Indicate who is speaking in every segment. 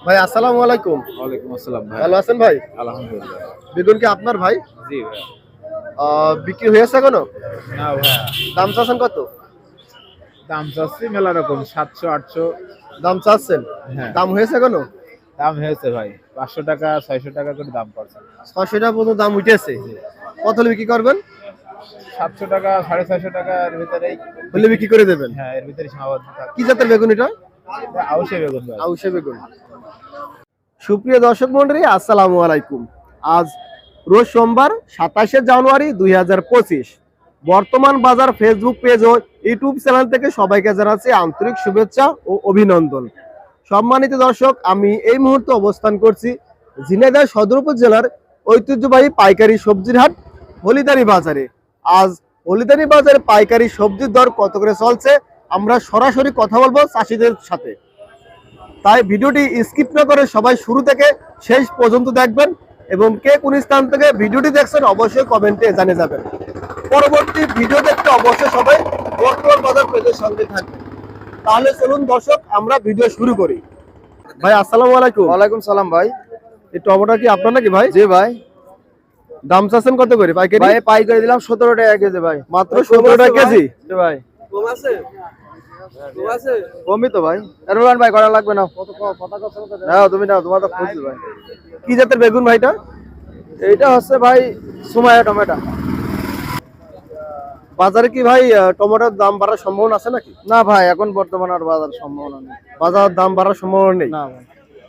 Speaker 1: ভাই আসসালামু আলাইকুম।
Speaker 2: ওয়ালাইকুম আসসালাম ভাই।
Speaker 1: ভালো আছেন ভাই?
Speaker 2: আলহামদুলিল্লাহ।
Speaker 1: বেগুন কি আপনার ভাই?
Speaker 2: জি ভাই।
Speaker 1: বিক্রি হয়েছে এখনো?
Speaker 2: না ভাই,
Speaker 1: দাম চাচ্ছেন কত?
Speaker 2: দাম চাচ্ছি মেলা রকম 700 800।
Speaker 1: দাম চাচ্ছেন?
Speaker 2: হ্যাঁ,
Speaker 1: দাম হয়েছে এখনো?
Speaker 2: দাম হয়েছে ভাই। 500 টাকা 600 টাকা করে দাম পড়ছে।
Speaker 1: 600 টাকা পর্যন্ত দাম উঠেছে। কত হলে বিক্রি করবেন?
Speaker 2: 700 টাকা 650 টাকার ভিতরেই।
Speaker 1: হলে বিক্রি করে দেবেন।
Speaker 2: হ্যাঁ, এর ভিতরে সীমাবদ্ধ থাকে।
Speaker 1: কি জাতের বেগুন এটা?
Speaker 2: আউশে বেগুন ভাই।
Speaker 1: আউশে বেগুন। সুপ্রিয় দর্শক মন্ডলী, আসসালামু আলাইকুম। আজ রোজ সোমবার 27 জানুয়ারি 2025। বর্তমান বাজার ফেসবুক পেজ ও ইউটিউব চ্যানেল থেকে সবাইকে জানাচ্ছি আন্তরিক শুভেচ্ছা ও অভিনন্দন। সম্মানিত দর্শক, আমি এই মুহূর্তে অবস্থান করছি ঝিনাইদহ সদর উপজেলার ঐতিহ্যবাহী পাইকারি সবজির হাট হলিদারি বাজারে। আজ হলিদারি বাজারে পাইকারি সবজির দর কত করে চলছে আমরা সরাসরি কথা বলবো চাষিদের সাথে। তাই ভিডিওটি স্কিপ না করে সবাই শুরু থেকে শেষ পর্যন্ত দেখবেন এবং কে কোন স্থান থেকে ভিডিওটি দেখছেন অবশ্যই কমেন্টে জানিয়ে যাবেন। পরবর্তী ভিডিও দেখতে অবশ্যই সবাই বর্তমান বাজার পেজের সঙ্গে থাকবেন। তাহলে চলুন দর্শক আমরা ভিডিও শুরু করি। ভাই আসসালামু আলাইকুম।
Speaker 2: ওয়ালাইকুম সালাম ভাই।
Speaker 1: এই টমেটো কি আপনার নাকি ভাই?
Speaker 2: জি ভাই।
Speaker 1: দাম চাচ্ছেন কত করে পাইকারি?
Speaker 2: ভাই পাইকারি দিলাম 17 টাকা কেজি ভাই।
Speaker 1: মাত্র 17 টাকা কেজি?
Speaker 2: জি ভাই।
Speaker 1: কম আছে? কম আছে?
Speaker 2: কমই তো ভাই। এরমান ভাই করা লাগবে না। নাও তুমি নাও, তোমার তো খুশি ভাই।
Speaker 1: কি জাতের বেগুন ভাইটা?
Speaker 2: এইটা হচ্ছে ভাই সুমাইয়া টমেটো।
Speaker 1: বাজারে কি ভাই টমেটোর দাম বাড়ার সম্ভাবনা আছে নাকি?
Speaker 2: না ভাই, এখন বর্তমানে আর বাজার সম্ভাবনা নেই।
Speaker 1: বাজার দাম বাড়ার সম্ভাবনা নেই?
Speaker 2: না ভাই।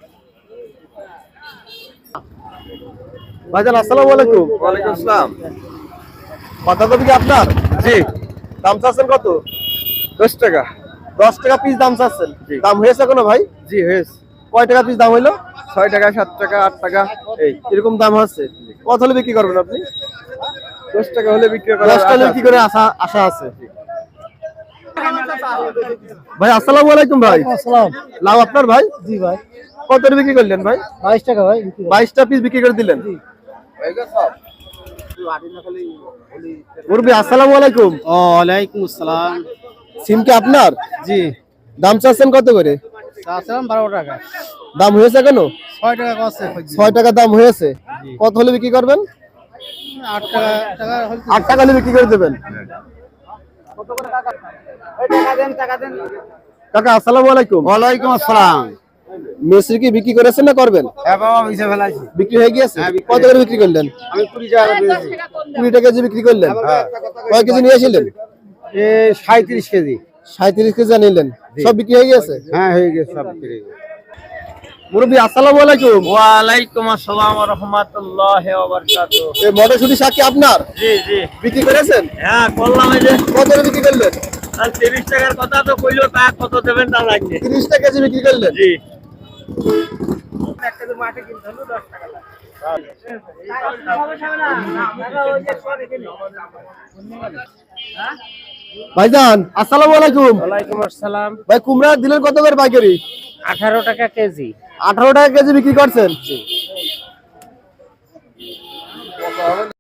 Speaker 1: ভাইজান আসসালামু আলাইকুম।
Speaker 2: ওয়ালাইকুম আসসালাম।
Speaker 1: বাঁধাকপি কি আপনার?
Speaker 2: জি।
Speaker 1: দাম চাচ্ছেন কত?
Speaker 2: 10 টাকা।
Speaker 1: 10 টাকা পিস দাম চাচ্ছেন?
Speaker 2: জি।
Speaker 1: দাম হয়েছে কোনো ভাই?
Speaker 2: জি হয়েছে।
Speaker 1: কয় টাকা পিস দাম হইলো?
Speaker 2: 6 টাকা 7 টাকা 8 টাকা এই
Speaker 1: এরকম দাম হচ্ছে। কত হলে বিক্রি করবেন আপনি?
Speaker 2: 10 টাকা হলে বিক্রি করা
Speaker 1: 10 টাকা কি করে আশা আছে? ভাই আসসালামু আলাইকুম ভাই।
Speaker 3: আসসালাম।
Speaker 1: লাউ আপনার ভাই?
Speaker 3: জি ভাই।
Speaker 1: কত করে বিক্রি করলেন ভাই?
Speaker 3: 22 টাকা ভাই।
Speaker 1: 22টা পিস বিক্রি করে দিলেন। মুরব্বি আসসালামু আলাইকুম।
Speaker 3: ওয়ালাইকুম আসসালাম।
Speaker 1: সিম কি আপনার?
Speaker 3: জি।
Speaker 1: দাম চাচ্ছেন কত করে?
Speaker 3: চাচ্ছিলাম 12 টাকা।
Speaker 1: দাম হয়েছে কেন?
Speaker 3: 6 টাকা কষ্ট।
Speaker 1: 6 টাকা দাম হয়েছে। কত হলে বিক্রি করবেন?
Speaker 3: 8 টাকা হল।
Speaker 1: 8 টাকা হলে বিক্রি করে দেবেন। কাকা আসসালামু আলাইকুম।
Speaker 3: ওয়ালাইকুম আসসালাম।
Speaker 1: মিষ্টি কি বিক্রি করেছেন না করবেন?
Speaker 3: হ্যাঁ বাবা, মিশে ফেলাইছি।
Speaker 1: বিক্রি হয়ে গিয়েছে? কত করে বিক্রি করলেন?
Speaker 3: আমি 20 টাকা পেয়েছি।
Speaker 1: 20 টাকা কেজি বিক্রি করলেন? কয় কেজি নিয়েছিলেন?
Speaker 3: 37 কেজি।
Speaker 1: 37 কেজি নিলেন। সব বিক্রি হয়ে গিয়েছে?
Speaker 3: হ্যাঁ হয়ে গেছে সব বিক্রি।
Speaker 1: মুরব্বি আসসালামু আলাইকুম।
Speaker 3: ওয়ালাইকুম আসসালাম ওয়া রাহমাতুল্লাহি ওয়া বারাকাতুহু।
Speaker 1: এই মটরশুঁটি শাক কি আপনার?
Speaker 3: জি জি।
Speaker 1: বিক্রি করেছেন?
Speaker 3: হ্যাঁ করলাম। এই যে
Speaker 1: কত করে বিক্রি করলেন?
Speaker 3: আর 30 টাকার কথা তো কইলো, তা কত দেবেন তা লাগবে।
Speaker 1: 30 টাকা কেজি বিক্রি করলেন?
Speaker 3: জি।
Speaker 1: ভাইজান আসসালামু আলাইকুম।
Speaker 3: ওয়ালাইকুম আসসালাম।
Speaker 1: ভাই কুমড়া দিলেন কত করে পাইকারি?
Speaker 3: 18 টাকা কেজি।
Speaker 1: 18 টাকা কেজি বিক্রি করছেন?